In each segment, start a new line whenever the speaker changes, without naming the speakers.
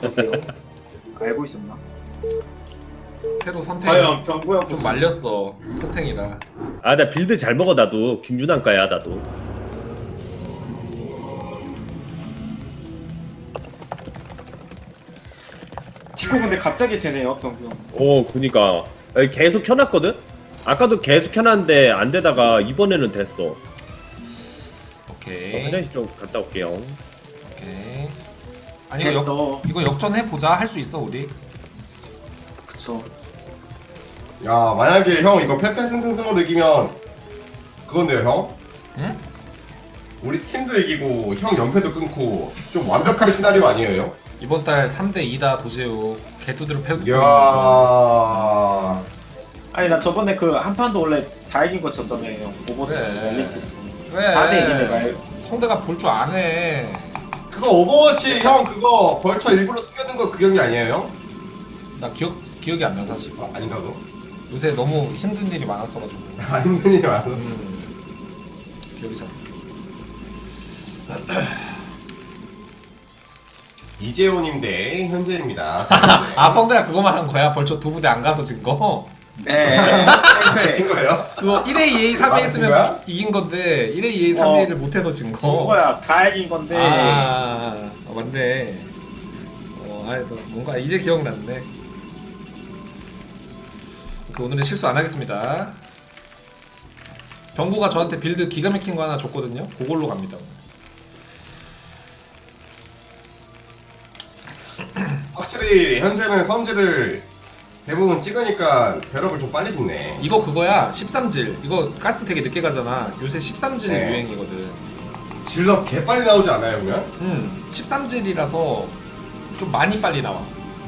그래요? 알고 있었나?
새로 선택
과연 병구형
좀 말렸어 선택이라.
아, 나 빌드 잘 먹어 나도. 김준환과야 나도.
디코 근데 갑자기 되네요 병구형.
그니까 아니, 계속 켜놨거든. 아까도 계속 켜놨는데 안 되다가 이번에는 됐어.
오케이
화장실 좀 갔다 올게요.
오케이. 아니 이거
너
이거 역전해 보자. 할 수 있어 우리.
그쵸.
야 만약에 형 이거 패패승승승으로 이기면 그건데요 형?
응?
우리 팀도 이기고 형 연패도 끊고 좀 완벽한 시나리오 아니에요?
이번 달 3대 2다 도제우 개뚜드로 패고.
이야
아니 나 저번에 그 한 판도 원래 다 이긴 거 졌잖아요. 오버워치
그래.
엘리시스.
왜?
4대 이기네 말.
성대가 볼 줄 아네.
그거 오버워치 형 그거 벌처 일부러 숨겨둔 거 그 경기 아니에요?
나 기억이 안 나 사실.
아, 아닌가 너?
요새 너무 힘든 일이 많았어가지고.
아 힘든 일이 많아
기억이 잘.
이재호님 대 현재입니다.
아 성대가 그거만 한 거야? 벌써 두 부대 안 가서 진 거?
네.
진 거예요?
그거 1회 2회 3회
아,
했으면
거야?
이긴 건데 1회 2회 3회를 못해서 진 거.
진 거야. 다 이긴 건데.
맞네. 뭔가 이제 기억났네. 오늘은 실수 안 하겠습니다. 병구가 저한테 빌드 기가 막힌 거 하나 줬거든요. 그걸로 갑니다.
확실히 현재는 선지를 대부분 찍으니까 벼락을 좀 빨리 짓네.
이거 그거야 13질. 이거 가스 되게 늦게 가잖아. 요새 13질
네.
유행이거든.
질럿 개 빨리 나오지 않아요 그러면?
13질이라서 좀 많이 빨리 나와.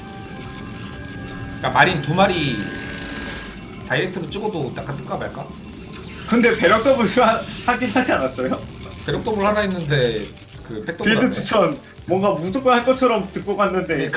그러니까 마린 두 마리 다이렉트로 찍어도 약간 뜰까 말까?
근데 배럭 더블 하긴 하지 않았어요?
배럭 더블 하나 있는데 그 백더블
빌드
하네.
추천 뭔가 무조건 할 것처럼 듣고 갔는데.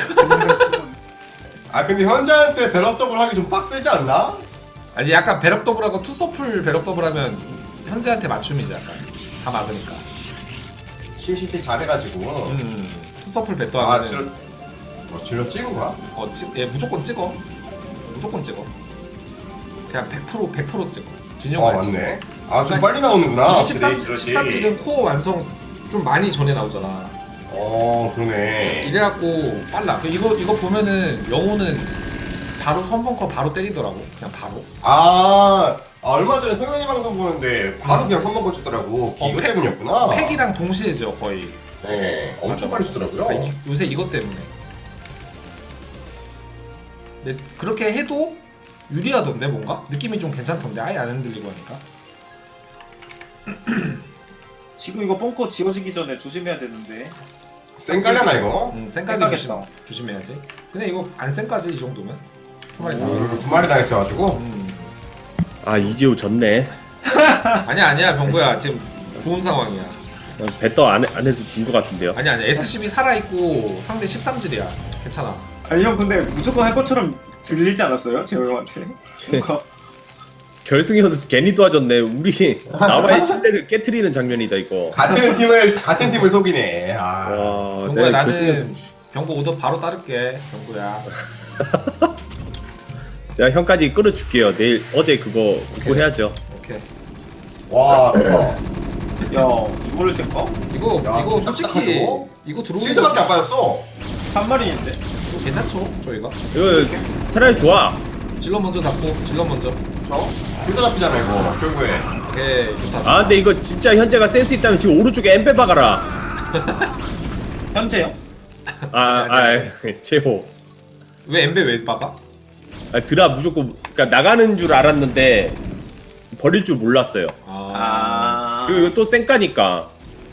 아 근데 현재한테 벼락 더블 하기 좀 빡세지 않나?
아니 약간 배럭 더블하고 투서풀 배럭 더블 하면 현재한테 맞춤이지 약간 다 막으니까.
심시티 잘해가지고.
투서풀 배또
아
하면은
질럿 찍은 거야?
얘 무조건 찍어. 무조건 찍어. 그냥 100% 찍어. 진영
아
알지?
맞네. 아 좀
그러니까
빨리 나오는구나.
이게 13질은 코어 완성 좀 많이 전에 나오잖아.
그러네.
이래갖고 빨라. 이거 보면은 영호는 바로 선벙커 바로 때리더라고. 그냥 바로.
얼마 전에 성현이 방송 보는데 바로 그냥 선만 거쳤더라고. 이거 때문이었구나.
팩이랑 동시에죠 거의.
네, 엄청
맞아.
빨리 주더라고요.
요새 이것 때문에. 근데 그렇게 해도 유리하던데 뭔가? 느낌이 좀 괜찮던데 아예 안 흔들리고 하니까.
지금 이거 뻥커 지워지기 전에 조심해야 되는데.
쌩깔려나 이거?
쌩까지
쌩까겠다.
조심해야지. 근데 이거 안 쌩까지 이 정도면? 두 마리 다.
두 마리 당했어가지고.
아, 이재호 졌네.
아니야 병구야 지금 좋은 상황이야.
배떠 안에서 진 것 같은데요.
아니야 SCB 살아있고 상대 13질이야. 괜찮아.
아니 형 근데 무조건 할 것처럼 들리지 않았어요? 재호 형한테? 뭔가
결승 연습 괜히 도와줬네. 우리 나와의 신뢰를 깨트리는 장면이다 이거.
같은 팀을 속이네.
와,
병구야
내가 결승
나는
연습.
병구 오더 바로 따를게 병구야.
제가 형까지 끌어줄게요. 내일 어제 그거 해야죠.
오케이.
와,
야 이거를 생각?
이거
야,
이거 솔직히
딱딱하죠?
이거 들어오는
실드밖에 안 빠졌어.
3마리인데?
이거 괜찮죠 저희가?
이거 차라리 좋아.
질러 먼저 잡고 질러 먼저.
둘다 잡히잖아 이거 결국에.
오케이 좋다.
아, 근데 이거 진짜 현재가 센스 있다면 지금 오른쪽에 엠페 박아라.
현재요?
제호.
왜 엠베 왜 박아?
드라 무조건 그러니까 나가는 줄 알았는데 버릴 줄 몰랐어요. 그리고 이거 또 쌩까니까.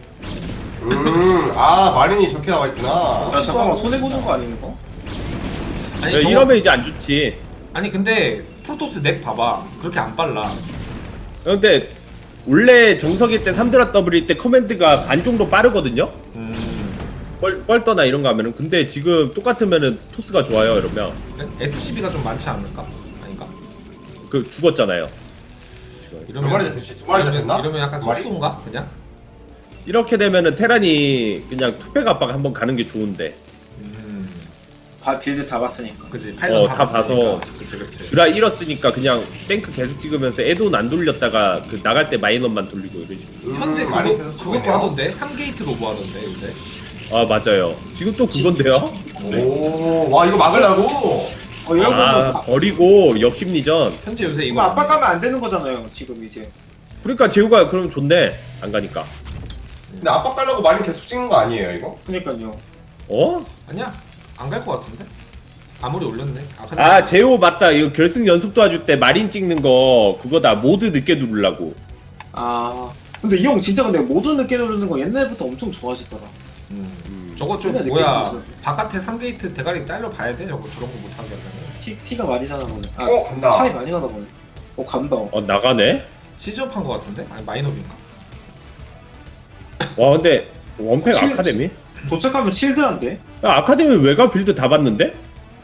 마린이 저렇게 나와 있구나.
야 잠깐만 손해보는 거 아니에요 이거?
아니
야, 이러면 이제 안 좋지.
아니 근데 프로토스 넥 봐봐 그렇게 안 빨라.
근데 원래 정석일 때 3드라 더블일 때 커맨드가 반 정도 빠르거든요. 뻘떠나 이런 거 하면은. 근데 지금 똑같으면은 토스가 좋아요 이러면.
그래? SCB가 좀 많지 않을까? 아닌가?
그 죽었잖아요.
두 마리 잡혔지? 두 마리 잡혔나?
이러면 약간
두 마리?
소스인가? 그냥?
이렇게 되면은 테란이 그냥 투팩 압박 한번 가는 게 좋은데.
빌드 다 봤으니까.
그치 파일럿
다
봤으니까.
봐서.
그치
드라 잃었으니까 그냥 탱크 계속 찍으면서 애돈 안 돌렸다가 그 나갈 때 마이너만 돌리고 이런 식으로.
현재
많이
그것도
있네요.
하던데 3게이트 로브 하던데 요새.
아 맞아요. 지금 또 그건데요.
오와 이거 막으려고.
이런
아
거는
버리고 역심리전.
현재 요새
이거
이거
압박 가면 안 되는 거잖아요. 지금 이제.
그러니까 재우가 그럼 좋네. 안 가니까.
근데 압박 가려고 많이 계속 찍는 거 아니에요 이거?
그러니까요.
어?
아니야 안 갈 것 같은데. 아무리 올렸네. 근데
아 재호 맞다. 이거 결승 연습 도와줄 때 마린 찍는 거 그거다. 모드 늦게 누르려고.
아 근데 이 형 진짜 근데 모두 늦게 누르는 거 옛날부터 엄청 좋아하시더라.
저거 좀
맨날
뭐야
늦게
바깥에 3게이트 대가리 잘려 봐야 돼. 저거 저런 거 못하게 하려면.
티가 많이 나나 보네. 아
간다.
차이 많이 나나 보네. 간다.
나가네.
시즈업 한거 같은데? 아니 마이너인가?
와 근데 원팩
칠-
아카데미?
도착하면 칠드란데?
야, 아카데미 외곽 빌드 다 봤는데?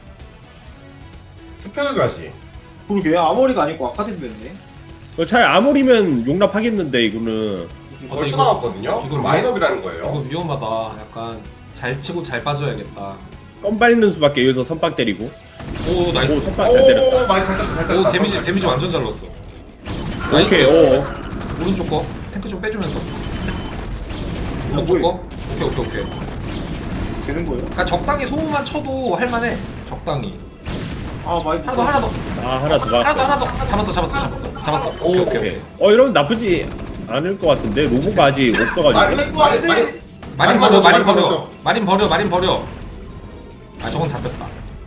투표를 가시.
그러게 아머리가 아니고 아카데미였네.
차라리 아무리면 용납하겠는데 이거는.
벌
이거-
쳐나왔거든요.
이거
이건 마이너비라는 거예요.
이거 위험하다. 약간 잘 치고 잘 빠져야겠다.
껌 밟는 수밖에 여기서 선빵 때리고.
오 나이스.
오 선빵 잘 때렸다.
오 많이 잘 땄다 잘 땄다.
오 데미지 완전 잘 넣었어.
오케이
나이스.
오.
오른쪽 거 탱크 좀 빼주면서. 오른쪽
뭐해?
거. 오케이.
되는 거예요?
그러니까 적당히 소음만 쳐도 할만해. 적당히.
아 많이.
하나 더.
아 하나 더 가.
하나 더. 잡았어. 오케이.
이러면 나쁘지 않을 것 같은데 로보가 아직 없어가지고.
마린 버려. 아 저건 잡혔다.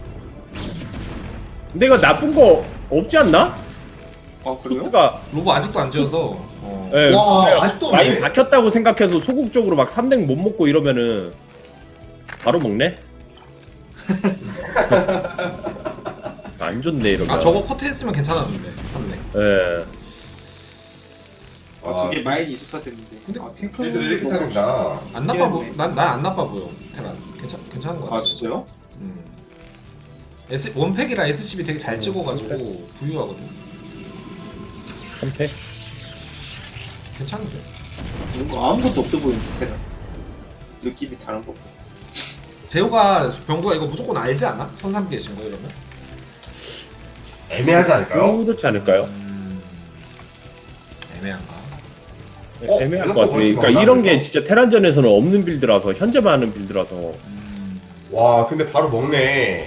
근데 이거 나쁜 거 없지 않나?
아 그래요?
토스가
로보 아직도 안 지어서.
예,
와,
그냥
아직도
많이
없네.
박혔다고 생각해서 소극적으로 막 3댕 못 먹고 이러면은 바로 먹네. 안 좋네 이러면.
아 저거 커트했으면 괜찮았는데. 맞네.
예.
저게 마인이 있었어야 됐는데.
근데
아
빌드를
탱크는
이렇게 타는구나.
안 나빠 보.
미안해.
난안 나빠 보여. 테란. 괜찮은 거 같아.
아 진짜요?
원팩이라 SCB 되게 잘 찍어가지고 부유하거든.
3패.
괜찮은데.
뭔가 아무것도 없어 보이는데 테란. 느낌이 다른 거.
재호가 병구가 이거 무조건 알지 않아? 선삼 계신 거 이러면?
애매하지 않을까요?
그렇지 않을까요?
애매한가?
애매할 것 같아요. 그러니까 이런 게 진짜 테란전에서는 없는 빌드라서 현재만 하는 빌드라서.
와 근데 바로 먹네.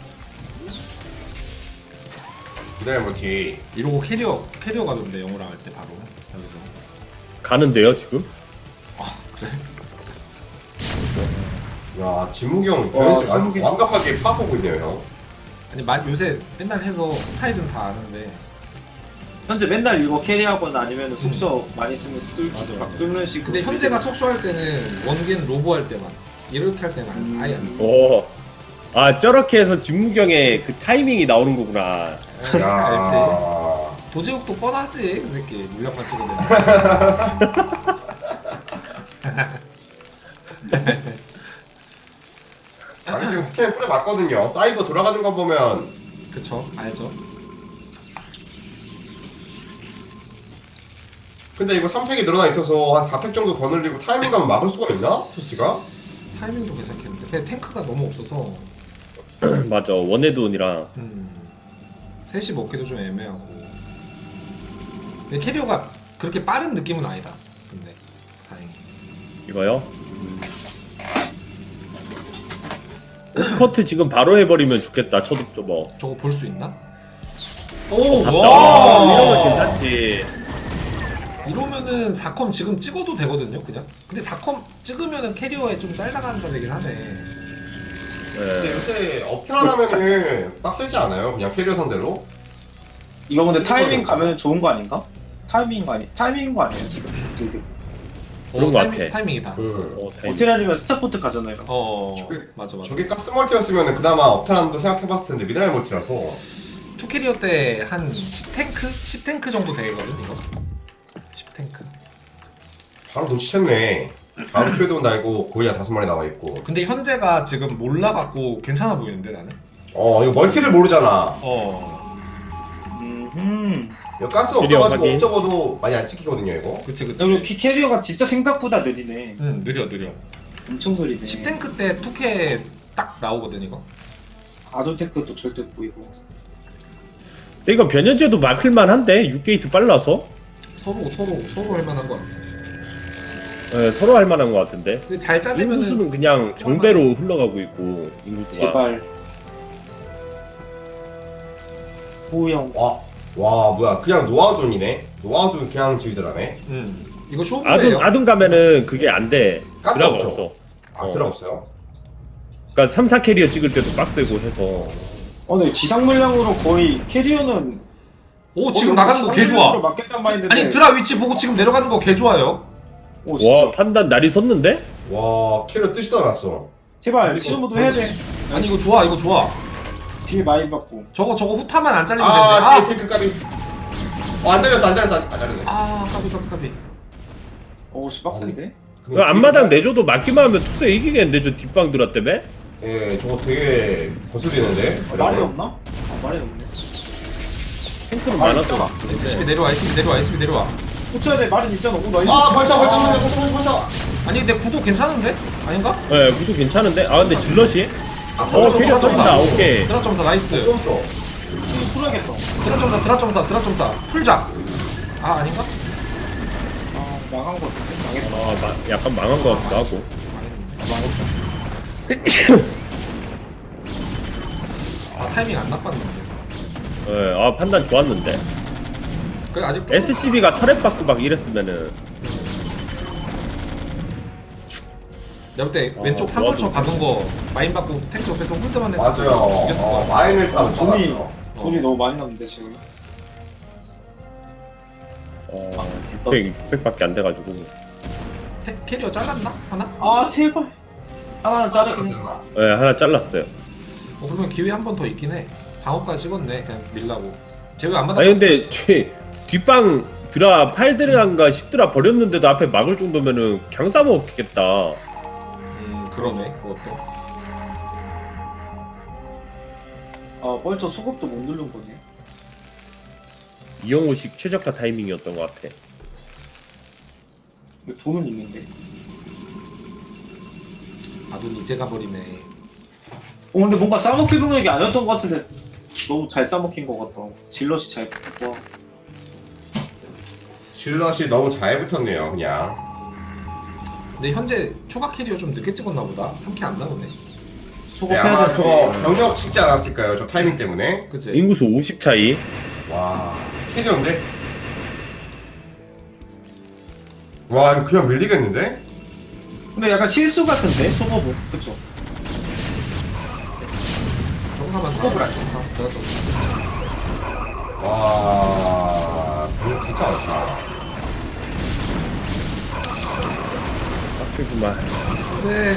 기다려 멀티.
이러고 캐리어 가던데 영호랑 할 때 바로 여기서.
가는데요 지금?
그래?
야 진무기 형
와,
변현재
진무기.
완벽하게 파보고 있네요 형.
아니 요새 맨날 해서 스타일은 다 아는데.
현재 맨날 이거 캐리하거나 아니면 숙소 많이 쓰면
맞아.
뚫는 식으로.
근데 현재가 속쇼 할 때는 원겐 로보 할 때만 이렇게 할 때는 안 써. 아예 안 써.
오. 아 저렇게 해서 진무경의 그 타이밍이 나오는 거구나.
알지.
야.
도제욱도 뻔하지 그 새끼 물량만 찍어내는.
아니 지금 스캔 뿌려봤거든요. 사이버 돌아가는 거 보면
그쵸 알죠.
근데 이거 3팩이 늘어나 있어서 한 4팩 정도 더 늘리고 타이밍 가면 막을 수가 있나? 토스가?
타이밍도 괜찮겠는데 근데 탱크가 너무 없어서
맞아 원헤드온이랑.
셋이 먹기도 좀 애매하고. 근데 캐리어가 그렇게 빠른 느낌은 아니다. 근데 다행히.
이거요? 오프커트 지금 바로 해버리면 좋겠다. 초독 뭐.
저거 볼 수 있나? 오
아,
와.
이러면 괜찮지.
이러면은 4컴 지금 찍어도 되거든요, 그냥. 근데 4컴 찍으면은 캐리어에 좀 잘나가는 되긴 하네.
근데
예.
요새 업트란 하면은 빡세지 않아요? 그냥 캐리어 상대로?
이거 근데 타이밍 가면 좋은 거 아닌가? 타이밍인 거 아니에요 지금 빌드.
그런 거 같아.
타이밍이다.
타이밍.
오테라니면 스타포트 가잖아요.
맞아.
저게 가스 멀티였으면 그나마 업트란도 생각해봤을 텐데 미네랄 멀티라서
투 캐리어 때 한 10탱크? 10탱크 정도 되거든, 이거. 10탱크.
바로 눈치챘네. 바로 표도 날고 고리아 5마리 나와있고.
근데 현재가 지금 몰라갖고 괜찮아 보이는데, 나는?
이거 멀티를 모르잖아. 이거 가스
캐리어
없어가지고
확인.
업적어도 많이 안 찍히거든요 이거.
그치.
그리고 캐리어가 진짜 생각보다 느리네.
느려.
엄청 느리네.
10탱크 때 투캐 딱 나오거든, 이거.
아둔테크도 절대 못 보이고.
근데 이거 변현재도 막을만 한데 6게이트 빨라서
서로 할만한 것 같아.
네, 서로 할만한 것 같은데.
근데 잘 잘리면은
인구수는 그냥 정배로 흘러가고 있고 인구수가.
제발. 호영.
와 뭐야 그냥 노아둔이네. 노아둔 그냥 질드라네.
이거 쇼부예요.
아둔 가면은 그게 안 돼.
가스
드라가
없죠?
없어.
아 들어 없어요?
그러니까 3, 4캐리어 찍을 때도 빡세고 해서.
근데 지상 물량으로 거의 캐리어는
오 지금 나가는 거 개 좋아.
맞겠단 말인데.
아니 드라 위치 보고 지금 내려가는 거 개 좋아요.
오 진짜.
와 판단 날이 섰는데?
와 캐리어 뜨지도 않았어.
제발 시우모도 해야 돼.
아니 이거 좋아 이거 좋아.
뒤에 많이 받고.
저거 후타만 안 잘리면 되는데.
뒤에 탱크 까비. 안 잘렸어 안 잘렸네.
까비.
오씨 빡센데.
그 앞마당 내줘도 맞기만 하면 투스 이기겠는데 저 뒷방 드라 때문에?
예 저거 되게 거슬리는데.
말이 없나? 아 말이 없네.
탱크는
말이
많아서.
있잖아.
SCB 내려와 SCB 내려와.
고쳐야 돼 말이 있잖아. 오 나이스.
아 벌쳐.
아니 근데 구도 괜찮은데? 아닌가?
네, 구도 괜찮은데? 아 근데 질럿이?
드랍
캐리어 터진다, 오케이.
드랍 점사 나이스.
좀
풀어야겠다.
드랍 점사 풀작. 아 아닌가?
아 망한 거 같은데. 망했다.
약간 망한 것 같기도 하고.
아 타이밍 안 나빴는데.
네, 아 판단 좋았는데.
그래 아직 좀
SCB가 터렛 받고 막 이랬으면은
내가 볼때 왼쪽 3벌처 박은 거 마인 받고 탱크 옆에서 홀드만 했을 때
맞아요.
이겼을 거야.
마인을 타고
돈이 너무 많이 남는데 지금.
600밖에 안 돼가지고.
캐리어 잘랐나? 하나?
아 제발. 하나는 자르긴 해.
네, 하나 잘랐어요.
그러면 기회 한 번 더 있긴 해. 방어까지 찍었네 그냥 밀라고. 쟤 안 받아?
아니 근데 뒷방 드라 8드라인가 10드라 버렸는데도 앞에 막을 정도면은 그냥 싸먹겠다.
그러네 그것도.
아 벌써 소급도 못 누른 거네.
이영호식 최적화 타이밍이었던 것 같아.
근데 돈은 있는데.
아둔 이제 가버리네.
근데 뭔가 싸먹힐 병력이 아니었던 것 같은데 너무 잘 싸먹힌 것 같다. 질럿이 잘 붙고.
질럿이 너무 잘 붙었네요 그냥.
근데 현재 추가 캐리어 좀 늦게 찍었나 보다. 3캐 안 나오네.
네,
소급해야
아마
돼.
저거 병력 찍지 않았을까요? 저 타이밍 때문에.
그치?
인구수 50 차이.
와 캐리어인데? 와 이거 그냥 밀리겠는데?
근데 약간 실수 같은데 소급은 그쵸?
정사만
소급을 안
정사. 내가 좀.
와 병력 진짜 많다.
빡세구만.
네.